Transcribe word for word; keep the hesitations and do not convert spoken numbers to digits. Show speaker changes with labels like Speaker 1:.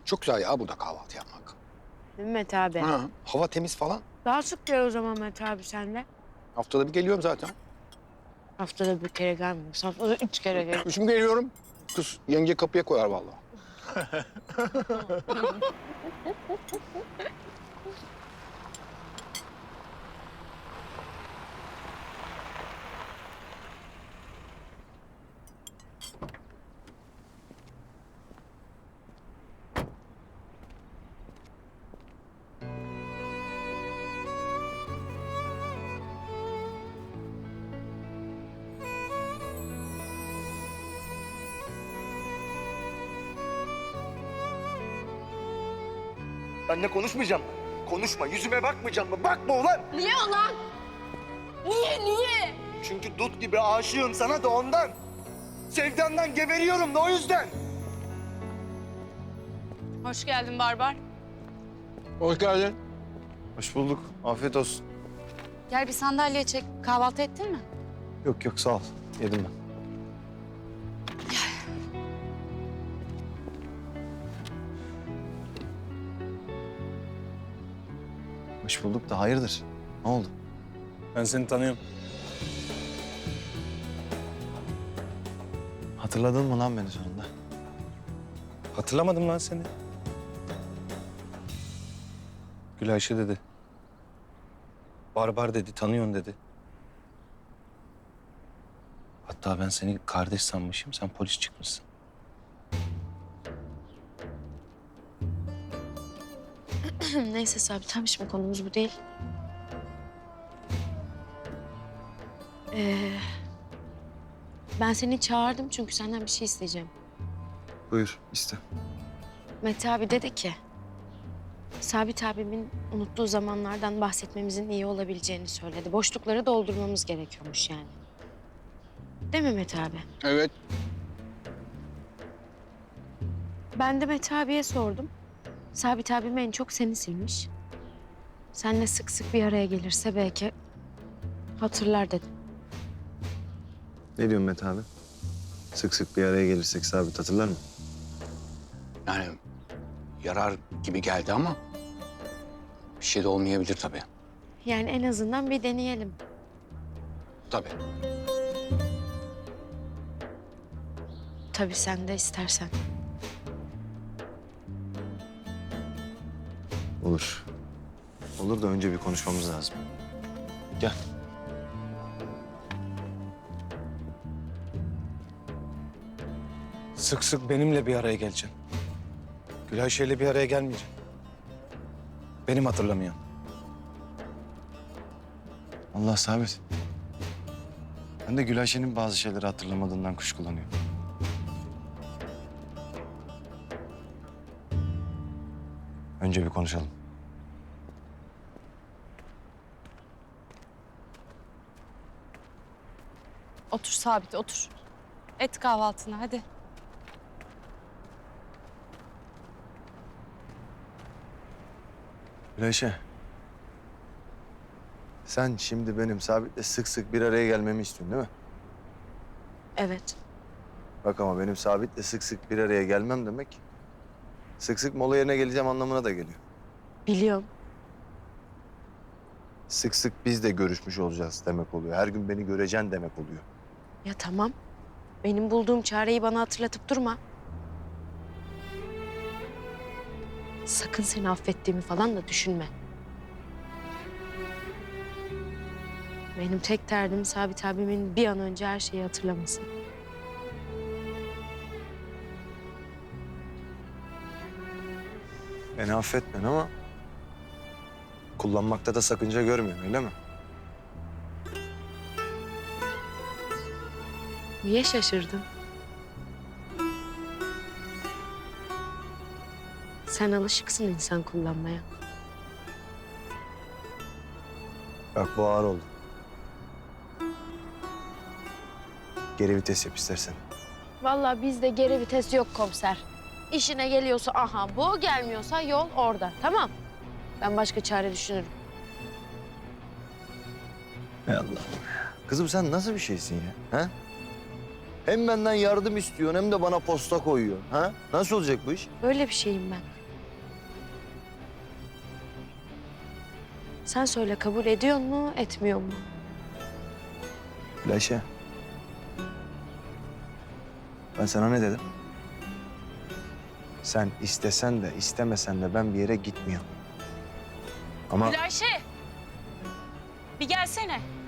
Speaker 1: Çok güzel ya burada kahvaltı yapmak.
Speaker 2: Değil mi Mete abi?
Speaker 1: Ha, hava temiz falan.
Speaker 2: Daha sık gel o zaman Mete abi senle.
Speaker 1: Haftada bir geliyorum zaten.
Speaker 2: Haftada bir kere gelmiyorsun. Haftada üç kere gel.
Speaker 1: Şimdi geliyorum. Kız yenge kapıya koyar vallahi.
Speaker 3: Benle konuşmayacağım mı? Konuşma, yüzüme bakmayacağım mı? Bakma ulan!
Speaker 4: Niye ulan? Niye, niye?
Speaker 3: Çünkü dut gibi aşığım sana da ondan. Sevdandan geberiyorum da o yüzden.
Speaker 4: Hoş geldin Barbar.
Speaker 1: Hoş geldin.
Speaker 5: Hoş bulduk. Afiyet olsun.
Speaker 4: Gel bir sandalye çek. Kahvaltı ettin mi?
Speaker 5: Yok yok sağ ol. Yedim ben. Hoş bulduk da hayırdır? Ne oldu?
Speaker 6: Ben seni tanıyorum.
Speaker 5: Hatırladın mı lan beni sonunda?
Speaker 6: Hatırlamadım lan seni. Gül Ayşe dedi. Barbar dedi, tanıyorsun dedi. Hatta ben seni kardeş sanmışım, sen polis çıkmışsın.
Speaker 2: Neyse Sabit tamam şimdi konumuz bu değil. Ee, ben seni çağırdım çünkü senden bir şey isteyeceğim.
Speaker 5: Buyur iste.
Speaker 2: Mete abi dedi ki... Sabit abimin unuttuğu zamanlardan bahsetmemizin iyi olabileceğini söyledi. Boşlukları doldurmamız gerekiyormuş yani. Değil mi Mete abi?
Speaker 1: Evet.
Speaker 2: Ben de Mete abiye sordum. Sabit abim en çok seni silmiş. Seninle sık sık bir araya gelirse belki hatırlar dedim.
Speaker 5: Ne diyorsun Mete abi? Sık sık bir araya gelirsek Sabit hatırlar mı?
Speaker 1: Yani yarar gibi geldi ama bir şey de olmayabilir tabii.
Speaker 2: Yani en azından bir deneyelim.
Speaker 1: Tabii.
Speaker 2: Tabii sen de istersen.
Speaker 5: Olur. Olur da önce bir konuşmamız lazım. Gel.
Speaker 6: Sık sık benimle bir araya geleceksin. Gül Ayşe'yle bir araya gelmeyeceksin. Benim hatırlamayan.
Speaker 5: Allah Sabit. Ben de Gülayşe'nin bazı şeyleri hatırlamadığından kuşkulanıyorum. Önce bir konuşalım.
Speaker 4: Otur Sabit, otur. Et kahvaltını, hadi.
Speaker 5: Gülayşe. Sen şimdi benim Sabit'le sık sık bir araya gelmemi istiyorsun değil mi?
Speaker 2: Evet.
Speaker 5: Bak ama benim Sabit'le sık sık bir araya gelmem demek... sık sık mola yerine geleceğim anlamına da geliyor.
Speaker 2: Biliyorum.
Speaker 5: Sık sık biz de görüşmüş olacağız demek oluyor. Her gün beni göreceksin demek oluyor.
Speaker 2: Ya tamam. Benim bulduğum çareyi bana hatırlatıp durma. Sakın seni affettiğimi falan da düşünme. Benim tek derdim Sabit abimin bir an önce her şeyi hatırlaması.
Speaker 5: Beni affetmen ama... kullanmakta da sakınca görmüyorsun öyle mi?
Speaker 2: Niye şaşırdın? Sen alışıksın insan kullanmaya.
Speaker 5: Bak bu ağır oldu. Geri vites yap istersen.
Speaker 2: Vallahi bizde geri vites yok komiser. İşine geliyorsa aha bu, gelmiyorsa yol orada. Tamam. Ben başka çare düşünürüm.
Speaker 5: Hay Allah'ım. Kızım sen nasıl bir şeysin ya? Ha? Hem benden yardım istiyorsun hem de bana posta koyuyorsun. Ha? Nasıl olacak bu iş?
Speaker 2: Böyle bir şeyim ben. Sen söyle, kabul ediyor mu, etmiyor mu?
Speaker 5: Ayşe. Ben sana ne dedim? Sen istesen de istemesen de ben bir yere gitmiyorum. Ama
Speaker 4: Gülayşe! Bir gelsene.